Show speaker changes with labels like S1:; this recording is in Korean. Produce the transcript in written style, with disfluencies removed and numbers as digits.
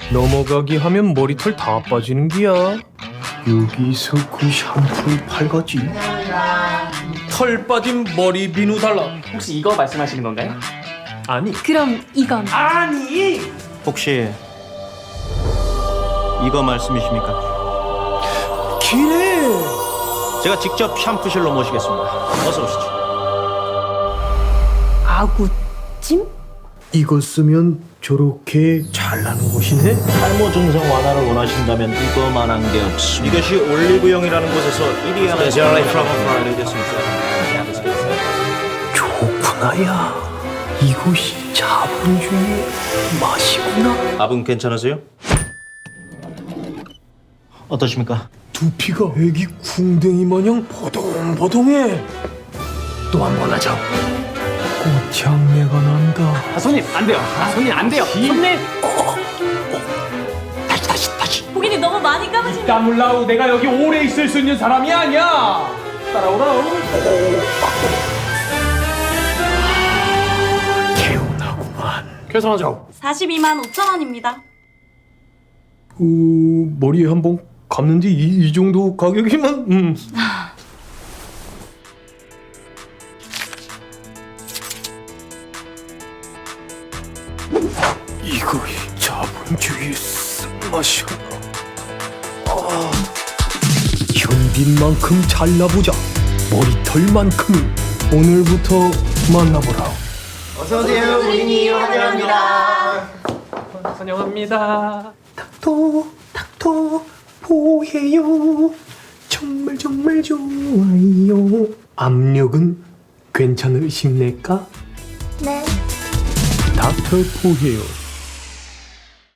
S1: 넘어가기 하면 머리털 다 빠지는 기야. 여기서 그 샴푸를 팔가지. 털 빠진 머리 비누 달라.
S2: 혹시 이거 말씀하시는 건가요?
S1: 아니.
S3: 그럼 이건
S2: 아니!
S4: 혹시 이거 말씀이십니까?
S1: 기래.
S4: 제가 직접 샴푸실로 모시겠습니다. 어서 오시죠.
S3: 아구찜?
S1: 이거 쓰면 저렇게 잘 나는 곳이네.
S4: 탈모 증상 완화를 원하신다면 이거만한 게 없습니다. 이것이 올리브영이라는 곳에서 1위 하는 스페셜리 됐습니다.
S1: 좋구나야. 이곳이 자본주의의 맛이구나.
S4: 밥은 괜찮으세요? 어떠십니까?
S1: 두피가 애기 궁뎅이 마냥 보동보동해. 또 한 번 하자. 꽃향내가 난다.
S2: 아, 손님 안 돼요. 아, 손님 안 돼요. 손님!
S1: 다시.
S3: 고객님 너무 많이 감으시면
S2: 까물라우 내가 여기 오래 있을 수 있는 사람이 아니야. 따라오라우.
S1: 개운하구만.
S2: 계산하죠.
S3: 42만 5천 원입니다.
S1: 머리에 한 번 감는데 이 정도 가격이면 이거이 자본주의의 쓴맛이구나. 현빈만큼 잘나보자. 머리털만큼 오늘부터 만나보라.
S5: 어서오세요, 고객님. 환영합니다.
S2: 환영합니다.
S1: 닥터 보해요. 정말 좋아요. 압력은 괜찮으십니까?
S3: 네.
S1: 닥터 보해요.